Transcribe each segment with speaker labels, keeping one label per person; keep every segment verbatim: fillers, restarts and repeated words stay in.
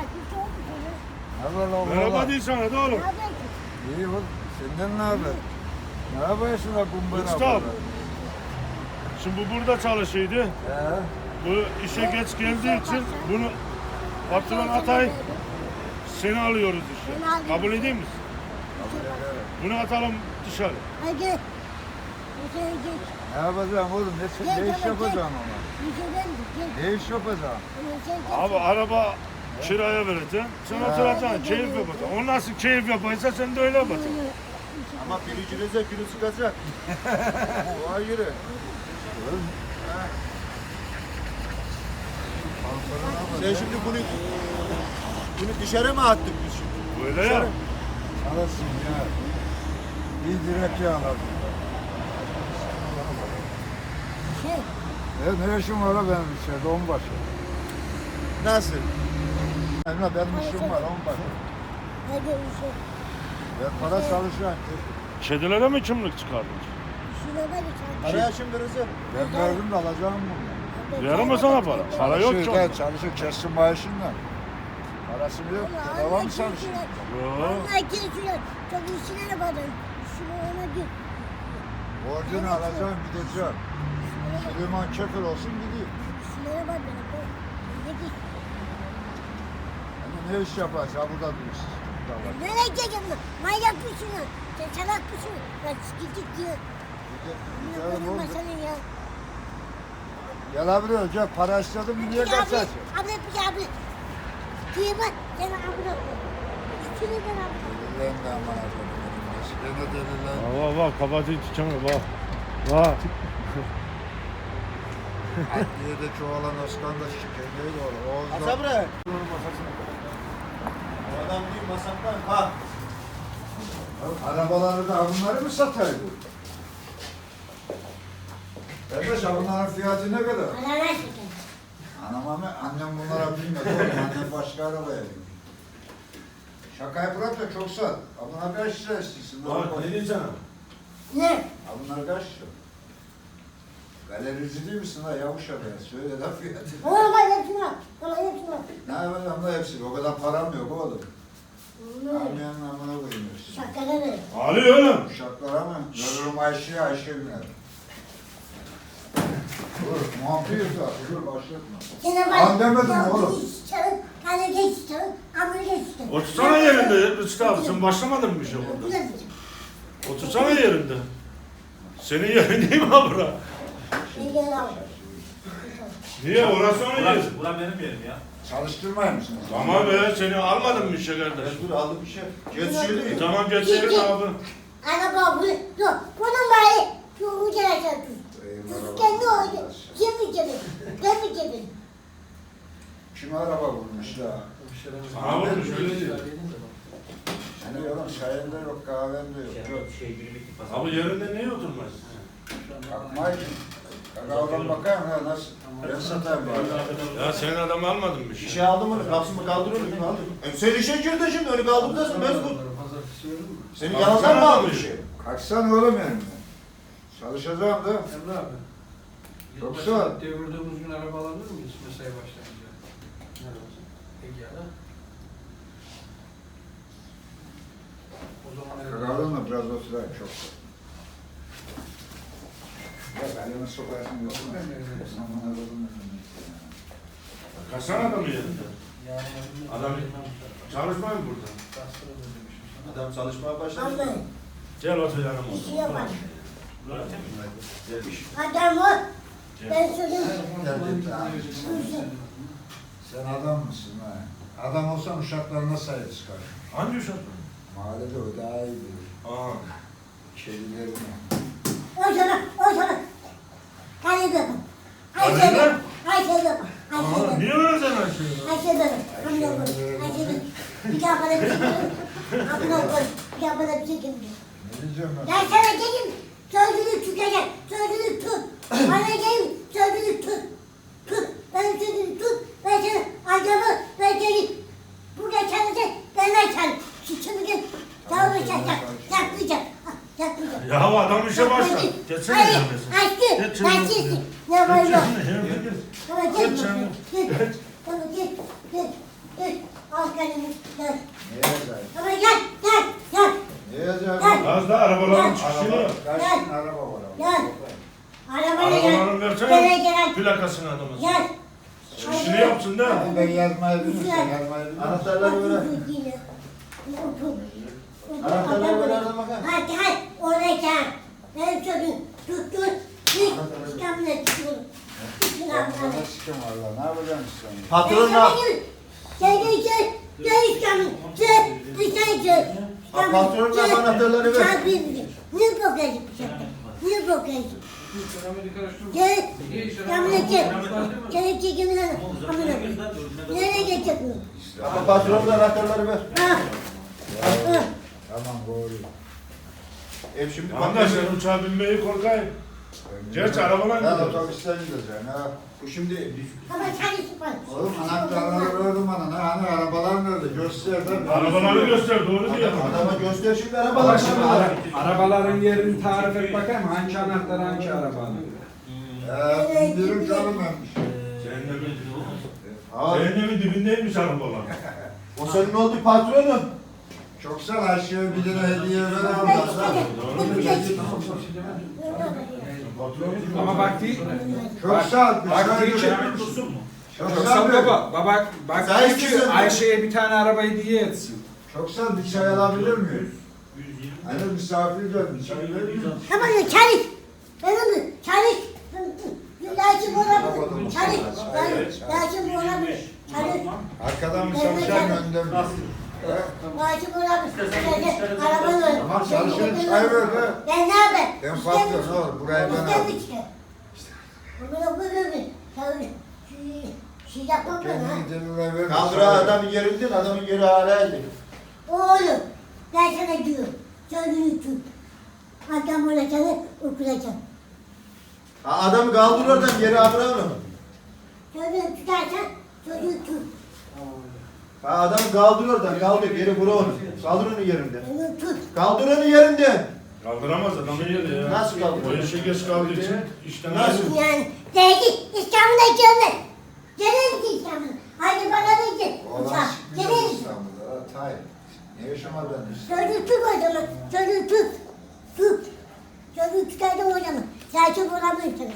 Speaker 1: Merhaba değil sana da oğlum.
Speaker 2: İyi oğlum. Senden ne haber? Ne yapıyorsun la kumbara?
Speaker 1: Mustafa. Şimdi bu burada çalışıyordu.
Speaker 2: He.
Speaker 1: Bu işe geç geldiği için bunu patron Atay seni alıyoruz işe. Kabul edeyim misin? Bunu atalım dışarı.
Speaker 3: Hadi.
Speaker 2: Ne yapacağım oğlum? Ne, ne iş yapacağım ama? Ne iş yapacağım?
Speaker 1: Abi araba kiraya vereceksin. Sen oturacaksın, keyif yapacaksın. O nasıl keyif yapıyorsa sen de öyle yapacaksın.
Speaker 4: Ama biricinize günü çıkacak. Oha yürü. Sen şimdi bunu bunu dışarı mı attık biz şimdi?
Speaker 1: Böyle ya.
Speaker 2: Alasın ya. Bir direk yağladım. E ne işim var la benim içeride onbaşı?
Speaker 4: Nasıl?
Speaker 2: Emre benim işim var onbaşı. Ben para çalışıyorum.
Speaker 1: Kedilere mi kimlik çıkardın?
Speaker 4: Araya şimdi kızım.
Speaker 2: Ben verdim de alacağım bunu.
Speaker 1: Verir mi sana para? Para yok ki
Speaker 2: Çalışıyor,
Speaker 1: onda.
Speaker 2: çalışıyor, kessin maaşından. Parası mı yok? Devam mı çalışıyor?
Speaker 1: Yok.
Speaker 3: Vallahi geçiyor. Çok işine yapadım. İşine ona git.
Speaker 2: Borcunu alacağım, gideceğim. Süleyman Kefir olsun gideyim.
Speaker 3: İşine yapadım. Ne git.
Speaker 2: Hani ne iş yapacağız? Ha burada durursun. Burada var.
Speaker 3: Nereye gideceğim lan? Manyak mısın lan? Sen salak mısın? Ben gidip diyor. Ne
Speaker 2: Gidelim
Speaker 3: koyayım ben
Speaker 2: oğlum.
Speaker 3: sana ya?
Speaker 2: Gel abi gel. Para istedim mi niye
Speaker 3: Abi,
Speaker 2: kaçarsın?
Speaker 3: Abi bir abi. Diye bak sen abla. İçine ben abla.
Speaker 2: Ben de aman efendim. Ben de deliler.
Speaker 1: Bak bak kapatı çıkamıyor bak. Bak.
Speaker 2: Adliyede çoğalan Özkan da şikayetleri de olur. Oğuz'da.
Speaker 4: Asabre. O adam değil masaktan. Ha.
Speaker 2: Arabaları da bunları mı sataydı? Kardeş bunların fiyatı ne kadar?
Speaker 3: Bana ver şeker.
Speaker 2: Anam ama annem bunlara bilmedi oğlum. Annem başka arabaya bindi. Şakayı bırak da çok sat. Bunlar kaç lira istiyorsun?
Speaker 1: Bak ne diyeceksin?
Speaker 3: Ne?
Speaker 2: Bunlar kaç lira? Galerici değil misin ha yavuş abi? Söyle de fiyatı.
Speaker 3: Bana bak hepsini al. Bana hepsini al.
Speaker 2: Ne yapacağım da hepsi? O kadar param yok oğlum. Almayanın amına koyayım hepsini.
Speaker 3: Şakana ver.
Speaker 1: Ali oğlum.
Speaker 2: Uşaklara mı? Veririm Ayşe'ye, Ayşe biner. Dur, muhabbet var. Dur, başlatma.
Speaker 3: Sana bak.
Speaker 2: An demedim
Speaker 3: Ya,
Speaker 2: oğlum.
Speaker 3: geç çalın. Hadi geç çalın. Ama geç çalın.
Speaker 1: Otursana yerinde Rıçtı abi. Sen başlamadın mı bir şey
Speaker 3: Bu
Speaker 1: burada?
Speaker 3: ne diyeceğim?
Speaker 1: Otursana yerinde. Senin yerin değil mi ha bura?
Speaker 3: Ben gel al.
Speaker 1: Niye? Orası onun yeri.
Speaker 5: Burası, bura benim yerim ya.
Speaker 2: Çalıştırmayın mısınız?
Speaker 1: Tamam be seni almadın mı işe kardeş?
Speaker 4: Dur aldım bir şey. Geçiyor değil.
Speaker 1: Tamam geçelim abi.
Speaker 3: Araba bu. Dur. Bunun bari. Şu ucuna çarptın. Kendi oldu. Kim mi cebin? Ben mi cebin?
Speaker 2: Kim araba bulmuş ya?
Speaker 1: Sana vurmuş öyle diyor.
Speaker 2: Hani oğlum çayında yok, kahvemde yok.
Speaker 5: Yok şey günü bitti pazar.
Speaker 1: Abi yerinde niye oturmaz?
Speaker 2: Bakmayın. Kakaodan bakayım ha nasıl? Ben satayım bari.
Speaker 1: Ya sen adam almadın mı
Speaker 4: Bir
Speaker 1: işe?
Speaker 4: şey aldım onu. Kapsımı kaldırıyorum. Aldım. E sen işe girdin şimdi. Öyle kaldırdasın. Ben bu. Senin
Speaker 1: Abi,
Speaker 4: yanından
Speaker 1: sen
Speaker 4: mı aldın
Speaker 1: aldın
Speaker 4: bir şey?
Speaker 2: Kaçsan oğlum yani. Çalışacağım da.
Speaker 6: Emre abi.
Speaker 2: Yoksa-
Speaker 6: Yoksa devirdiğimiz gün araba alabilir miyiz mesai başlayınca? Ne olsun? Egea'da. O zaman
Speaker 2: Kakaodan da biraz oturayım çok. Ya elini sokarsın yok mu? Aman Allah'ım.
Speaker 1: Kaçsana adamı yerinde. Adam çalışmıyor mu burada?
Speaker 4: Adam çalışmaya başladı.
Speaker 3: Vallahi.
Speaker 1: Gel otur yanıma.
Speaker 3: Bir şey yapar.
Speaker 4: Gelmiş.
Speaker 3: Adam o. Ben söyledim.
Speaker 2: Sen adam mısın ha? Adam olsan uşaklarına sahip çıkar.
Speaker 1: Hangi uşak?
Speaker 2: Mahallede o daha iyi bilir.
Speaker 1: Aa.
Speaker 2: Kedilerine.
Speaker 3: O sana. O sana. Hadi bakın. Ayşe
Speaker 1: Hadi
Speaker 3: bakın.
Speaker 1: lan.
Speaker 3: Ayşe bakın. Ayşe
Speaker 1: Aa,
Speaker 3: bakın.
Speaker 1: niye öyle sen açıyorsun?
Speaker 3: Ayşe bakın. Amına koy. Ayşe bakın. Bir daha bana bir şey diyor. Amına koy. Bir daha bana bir şey diyor.
Speaker 2: Ne diyeceğim ben?
Speaker 3: Ben sana dedim. Sözünü tutacak. Sözünü tut. Bana dedim. Sözünü tut. Tut. Ben sözünü tut. Ben sana adamı ben seni burada çalışacak. Benden çal. Şimdi gel. Çalışacak. Yapmayacak. Yapmayacak.
Speaker 1: Ya adam işe başla. Geçsene
Speaker 3: Hayır.
Speaker 1: yerine.
Speaker 3: Aşkım.
Speaker 1: Geç
Speaker 3: Ben
Speaker 1: yanına.
Speaker 3: sizsin. Ne var yok.
Speaker 1: Yerine gel.
Speaker 3: Tamam gel.
Speaker 1: Geç canım.
Speaker 3: Gel. Tamam gel. Gel. Gel. Al.
Speaker 1: plakasını adamın.
Speaker 3: Yaz.
Speaker 1: İşini yapsın da.
Speaker 2: Abi ben yazmayı bilmiyorum. Yazmayı bilmiyorum.
Speaker 4: Anahtarları ver. Anahtarları ver adam bakalım.
Speaker 3: Hadi hadi oraya çağır. Ben çocuğum tuttur. Git. İstanbul'a çıkıyorum. Gitsin
Speaker 2: Ben
Speaker 3: abla.
Speaker 2: bana sikim valla. Ne yapacaksın sen?
Speaker 4: Patron ne?
Speaker 3: Gel gel gel. Gel İstanbul. Gel. Dışarı gel.
Speaker 4: Ha, patronun da anahtarları ver.
Speaker 3: Çağır birbirine. Niye bakıyorsun bu şapka? Niye bakıyorsun?
Speaker 6: Keramet'i karıştırma.
Speaker 3: Gel.
Speaker 6: Niye işe
Speaker 3: İstanbul'a gel. Gel çekimin hanım. Amına koyayım. Nereye geçecek bu?
Speaker 4: Ama patronun da anahtarları ver.
Speaker 3: Ha. Ha.
Speaker 2: Tamam doğru.
Speaker 4: Ev şimdi
Speaker 1: Arkadaş sen uçağa binmeyi korkayım. Gerçi arabalar
Speaker 2: Ben
Speaker 1: gidiyor.
Speaker 2: otobüsten gideceğim ha.
Speaker 4: Bu şimdi
Speaker 3: Ama çalışıp var.
Speaker 2: Oğlum anahtarları verdim bana. Ne hani arabalar nerede? Göster de.
Speaker 1: Arabaları göster doğru diyor.
Speaker 4: adama göster şimdi
Speaker 6: Baba
Speaker 4: arabalar
Speaker 6: şimdi
Speaker 4: şimdi.
Speaker 6: ara- arabaların yerini tarif et bakayım. Hangi anahtar hangi arabanın?
Speaker 2: Eee indirim çalınmamış.
Speaker 1: Cehennemin,
Speaker 4: Abi,
Speaker 1: cehennemin dibindeymiş arabalar.
Speaker 4: o senin oldu patronun.
Speaker 2: Çok sağ ol. Aşağıya bir lira hediye ver
Speaker 3: Ben
Speaker 2: abla.
Speaker 3: çıkacağım. Bu geçecek.
Speaker 6: Ama bak değil.
Speaker 2: Çok sağ ol. Bir
Speaker 6: Bak
Speaker 2: çay
Speaker 6: değil ki.
Speaker 2: ver. Çok
Speaker 6: Yoksa
Speaker 2: sağ ol.
Speaker 6: baba, baba bak
Speaker 4: Sen
Speaker 6: değil ki
Speaker 4: kimsin?
Speaker 6: Ayşe'ye bir tane araba hediye etsin.
Speaker 2: Çok sağ ol. Bir çay alabilir miyim? Hani misafir geldi. Çay verir misin?
Speaker 3: Ama ne çalış. Ben onu çalış. Lakin olabilir. Çalış. Lakin olabilir. Çalış.
Speaker 2: Arkadan mı çalışan önden mi?
Speaker 3: Lakin olabilir. Arabanı öyle.
Speaker 2: Tamam çalışın çay ver be.
Speaker 3: Ben ne yapayım?
Speaker 2: Ben patron ne olur burayı ben
Speaker 3: İşte
Speaker 2: aldım.
Speaker 3: işte. Bunu böyle çalış. Şey yapmam ben ha.
Speaker 2: Kendini diline ver.
Speaker 4: Kaldır ha, adamın yerinden, adamın yeri haraydı.
Speaker 3: Oğlum. Ben sana diyorum. Sözünü tut. Adam olacağını okuyacağım.
Speaker 4: Ha, adamı kaldır oradan yere abra onu.
Speaker 3: Sözünü tutarsan sözünü tut.
Speaker 4: Ha, adamı kaldır oradan, kaldır yeri bura onu. Kaldır onu yerinden.
Speaker 3: Onu tut.
Speaker 4: Kaldır onu yerinden.
Speaker 1: Kaldıramaz adamı yedi ya.
Speaker 4: Nasıl kaldırır?
Speaker 1: O işe geç kaldığı için işten
Speaker 4: Nasıl?
Speaker 1: ayrıldı.
Speaker 3: Yani dedi İstanbul'a gelme. Gelir ki İstanbul'a. Hadi bana da git.
Speaker 2: Olan
Speaker 3: Uçak.
Speaker 2: sikmiyor
Speaker 3: Gelir.
Speaker 2: İstanbul'da. ha, Tay. Ne yaşamadın işte.
Speaker 3: Sözü tut o zaman. Sözü tut. Tut. Sözü tutardım o zaman. Sakin olamıyorsun.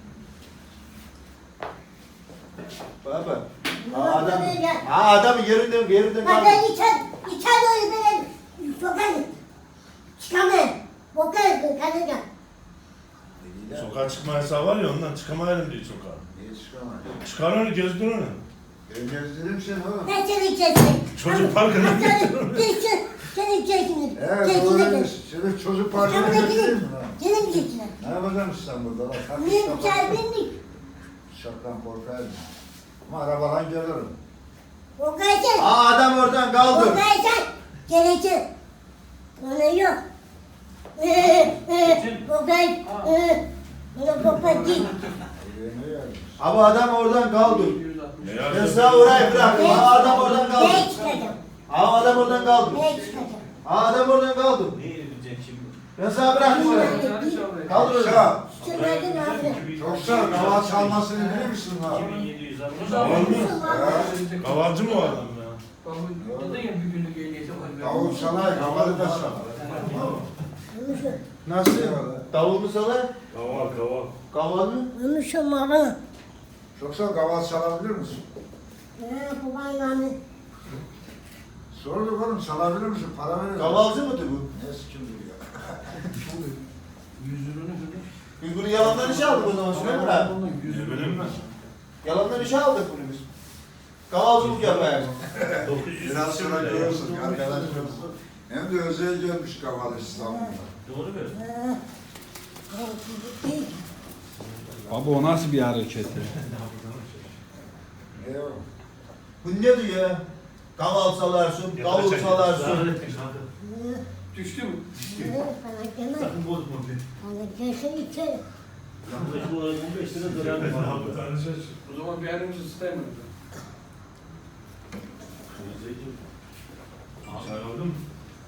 Speaker 4: Baba. Ha, adam, ha, adamı yerinden, yerinden
Speaker 3: Bak
Speaker 4: kaldır.
Speaker 3: ben içer, içer doğru ben sokarım. Çıkamayın. Bokarım ben kanıca.
Speaker 1: Sokağa çıkma yasağı var ya ondan çıkamayalım diye sokağa.
Speaker 2: Niye çıkamadın?
Speaker 1: Çıkar onu gezdir onu.
Speaker 2: Ben gezdireyim seni oğlum.
Speaker 3: Ben seni içersin.
Speaker 1: Çocuk parkına getir onu.
Speaker 3: Geçsin. Seni içersin.
Speaker 2: Evet doğru diyorsun. Seni çocuk parkına
Speaker 3: İstanbul'a
Speaker 2: getireyim
Speaker 3: gidin.
Speaker 2: mi lan?
Speaker 3: Gelin geçsin.
Speaker 2: Ne yapacağım İstanbul'da lan? Kalk
Speaker 3: Niye
Speaker 2: İstanbul'a.
Speaker 3: içer bindik?
Speaker 2: Şapkan korkarım. Ama arabadan gelirim.
Speaker 3: Bokarsın.
Speaker 4: Ha, adam oradan kaldır.
Speaker 3: Bokarsın. Gelecek. Ona yok. Eee, eee, bokar, eee, ona bokar değil.
Speaker 2: Buraya ne gelmiş?
Speaker 4: Abi adam oradan kaldır.
Speaker 6: yüz altmış.
Speaker 1: Ne
Speaker 4: Ben
Speaker 1: yapacağız?
Speaker 4: sana orayı bıraktım. Ha, adam oradan
Speaker 3: Ne
Speaker 4: kaldır.
Speaker 3: çıkacağım?
Speaker 4: Ha, adam oradan kaldır.
Speaker 3: Ne çıkacağım?
Speaker 4: Ha, adam oradan kaldır.
Speaker 5: Ne yedireceksin şimdi?
Speaker 4: Ben sana bıraktım orayı.
Speaker 6: Hadi çabuk.
Speaker 4: Kaldır
Speaker 2: Çok
Speaker 4: oradan.
Speaker 2: sağ ol.
Speaker 3: Şunlardan abi.
Speaker 2: Çok sağ ol. Hava çalmasını bilir misin lan?
Speaker 5: iki bin yedi yüz altmış.
Speaker 1: Kaval mı?
Speaker 2: Ya,
Speaker 1: Kavalcı mı o adam ya?
Speaker 6: Babam dedi ya bir günlük ehliyeti var.
Speaker 2: Davul çalay, havalı da çalay.
Speaker 4: Nasıl? Davul mu sana?
Speaker 1: Kaval kaval.
Speaker 4: Kaval mı?
Speaker 3: Konuşum baba.
Speaker 2: Çok sağ ol. Kaval çalabilir misin?
Speaker 3: Eee, babaannem.
Speaker 2: Sorduk oğlum çalabilir misin? Para verir.
Speaker 4: Kavalcı mıdır bu?
Speaker 2: Ne sikimdir ya?
Speaker 6: Yüzünü kırdı.
Speaker 4: Biz bunu yalandan işe aldık o zaman Süleyman abi.
Speaker 1: Ne bileyim ben.
Speaker 4: Yalandan işe aldık bunu biz. Kavalcılık yapayım.
Speaker 5: dokuz yüz
Speaker 2: Biraz
Speaker 5: küsür
Speaker 2: sonra
Speaker 5: lira ya.
Speaker 2: görürsün arkadaşlar. Hem de özel gelmiş Kaval İstanbul'da.
Speaker 5: Doğru mu?
Speaker 6: Baba o nasıl bir hareketi?
Speaker 2: Ne o?
Speaker 4: Bu ne diyor ya? Kaval salarsın, davul salarsın.
Speaker 6: Düştü mü?
Speaker 5: Sakın bozma beni. Yaklaşık olarak on beş lira zarar
Speaker 1: Ne
Speaker 5: var.
Speaker 1: yaptı tanışır?
Speaker 6: O zaman bir yerimizi ısıtayım.
Speaker 1: Çay aldın mı?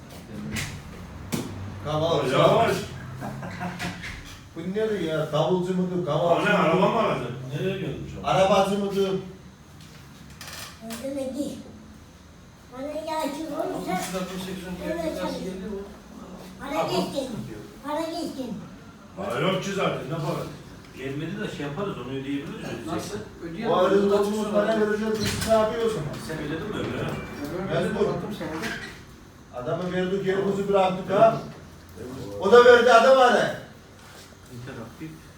Speaker 4: Kaval
Speaker 1: Yavaş.
Speaker 4: salarsın. Bu ne diyor ya? Davulcu mudur, kavalcı
Speaker 1: Anne araba
Speaker 4: mıdır?
Speaker 1: mı alacaksın? Nereye gelmiş o?
Speaker 4: Arabacı mıdır?
Speaker 3: Bana yağcı olursa
Speaker 6: altmış altmış seksen geldi. Nasıl geldi bu?
Speaker 3: para geçsin. Para geçsin.
Speaker 1: Para yok ki zaten ne para?
Speaker 5: Gelmedi de şey yaparız, onu ödeyebiliriz.
Speaker 6: Nasıl?
Speaker 4: O
Speaker 6: Ödeyelim.
Speaker 4: arada bozulmuş para vereceğiz. Biz ne yapıyor o zaman?
Speaker 5: Sen ödedin mi öyle?
Speaker 6: Ben
Speaker 4: Mecbur.
Speaker 6: baktım sana da.
Speaker 4: Adamı verdik yerimizi bıraktık ha. O da verdi adam hadi.
Speaker 5: İnteraktif.